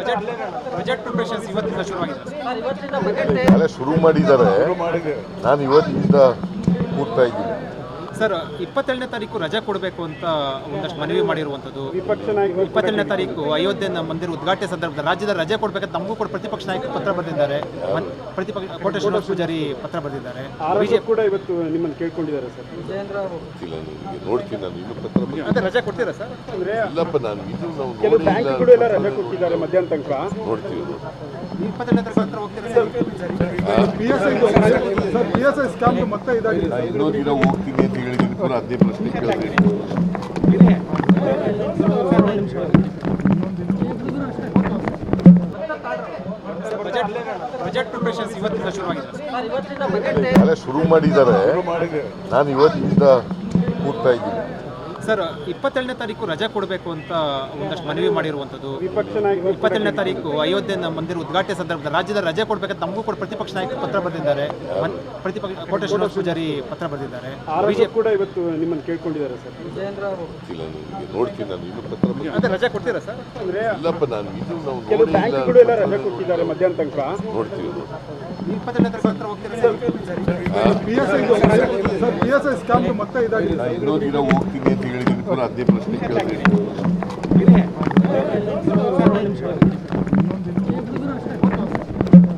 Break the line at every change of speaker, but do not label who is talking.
Budget preparations ಇವತ್ತಿಂದ ಶುರುವಾಗಿದೆ
ನಾಳೆ ಶುರು ಮಾಡಿದ್ದಾರೆ. ನಾನು ಇವತ್ತಿಂದ ಕೂಡ್ತಾ ಇದ್ದೀನಿ.
ಸರ್ 27ನೇ ತಾರೀಕು ರಜೆ ಕೊಡಬೇಕು ಅಂತ ಒಂದಷ್ಟು ಮನವಿ ಮಾಡಿರುವಂಥದ್ದು. 27ನೇ ತಾರೀಕು ಅಯೋಧ್ಯೆ ಮಂದಿರ ಉದ್ಘಾಟನೆ ಸಂದರ್ಭದಲ್ಲಿ ರಾಜ್ಯದ ರಜೆ ಕೊಡಬೇಕಂತ ನಮಗೂ ಕೂಡ ಪ್ರತಿಪಕ್ಷ ನಾಯಕರು ಪತ್ರ ಬರೆದಿದ್ದಾರೆ. ಕೋಟೆ ಶ್ರೀನಿವಾಸ ಪೂಜಾರಿ ಪತ್ರ ಬರೆದಿದ್ದಾರೆ.
ಬಿಜೆಪಿ ಕೂಡ ಇವತ್ತು ನಿಮ್ಮನ್ನು ಕೇಳ್ಕೊಂಡಿದ್ದಾರೆ ಸರ್.
ಗೊತ್ತಿಲ್ಲ ನನಗೆ, ನೋಡ್ತೀನಿ ನಾನು ಇನ್ನೂ ಪತ್ರ
ಅದೇ ರಜೆ ಕೊಡ್ತೀರಾ ಸರ್?
ಅಂದ್ರೆ
ಇಲ್ಲಪ್ಪ, ನಾನು ಇದು ನಾವು
ಕೆಲವು ಬ್ಯಾಂಕ್ ಕೂಡ ಎಲ್ಲ ರಜೆ ಕೊಟ್ಟಿದ್ದಾರೆ ಮಧ್ಯಾಹ್ನ ತನಕ.
ನೋಡ್ತೀವಿ.
27ನೇ ತಾರೀಕು ಹತ್ರ ಹೋಗ್ತೀರಾ ಸರ್?
PSI ಸ್ಕ್ಯಾಮ್ ಮತ್ತೆ ಇದಾಗಿದೆ.
ಇನ್ನೂ ದಿನ ಹೋಗ್ತೀನಿ ಅಂತ ಹೇಳಿದ್ದೀನಿ, ಪುನಃ ಅದೇ ಪ್ರಶ್ನೆ ಕೇಳಿದೆ.
ಬಜೆಟ್ ಪ್ರಿಪರೇಷನ್ಸ್ ಇವತ್ತಿಂದ ಶುರುವಾಗಿದೆ
ನಾಳೆ ಶುರು ಮಾಡಿದ್ದಾರೆ. ನಾನು ಇವತ್ತಿಂದ ಕೂಡ್ತಾ ಇದ್ದೀನಿ.
ಸರ್ 27ನೇ ತಾರೀಕು ರಜೆ ಕೊಡಬೇಕು ಅಂತ ಒಂದಷ್ಟು ಮನವಿ ಮಾಡಿರುವಂಥದ್ದು. 27ನೇ ತಾರೀಕು ಅಯೋಧ್ಯೆ ಮಂದಿರ ಉದ್ಘಾಟನೆ ಸಂದರ್ಭದಲ್ಲಿ ರಾಜ್ಯದ ರಜೆ ಕೊಡಬೇಕಂತ ನಮಗೂ ಕೂಡ ಪ್ರತಿಪಕ್ಷ ನಾಯಕರು ಪತ್ರ ಬರೆದಿದ್ದಾರೆ. ಕೋಟೆ ಶ್ರೀನಿವಾಸ ಪೂಜಾರಿ ಪತ್ರ ಬರೆದಿದ್ದಾರೆ.
ಬಿಜೆಪಿ ಕೂಡ ಇವತ್ತು ನಿಮ್ಮನ್ನು ಕೇಳ್ಕೊಂಡಿದ್ದಾರೆ ಸರ್.
ಗೊತ್ತಿಲ್ಲ ನನಗೆ, ನೋಡ್ತೀನಿ ನಾನು ಇನ್ನೂ ಪತ್ರ
ಅದೇ ರಜೆ ಕೊಡ್ತೀರಾ ಸರ್?
ಅಂದ್ರೆ
ಇಲ್ಲಪ್ಪ, ನಾನು ಇದು ನಾವು
ಕೆಲವು ಬ್ಯಾಂಕ್ ಕೂಡ ಎಲ್ಲ ರಜೆ ಕೊಟ್ಟಿದ್ದಾರೆ ಮಧ್ಯಾಹ್ನ ತನಕ.
ನೋಡ್ತೀವಿ.
27ನೇ ತಾರೀಕು ಹತ್ರ ಹೋಗ್ತೀರಾ ಸರ್?
PSI ಸ್ಕ್ಯಾಮ್ ಮತ್ತೆ ಇದಾಗಿದೆ.
ಇನ್ನೂ ದಿನ ಹೋಗ್ತೀನಿ ಅಂತ ಹೇಳಿದ್ದೀನಿ, ಪುನಃ ಅದೇ ಪ್ರಶ್ನೆ ಕೇಳಿದೆ.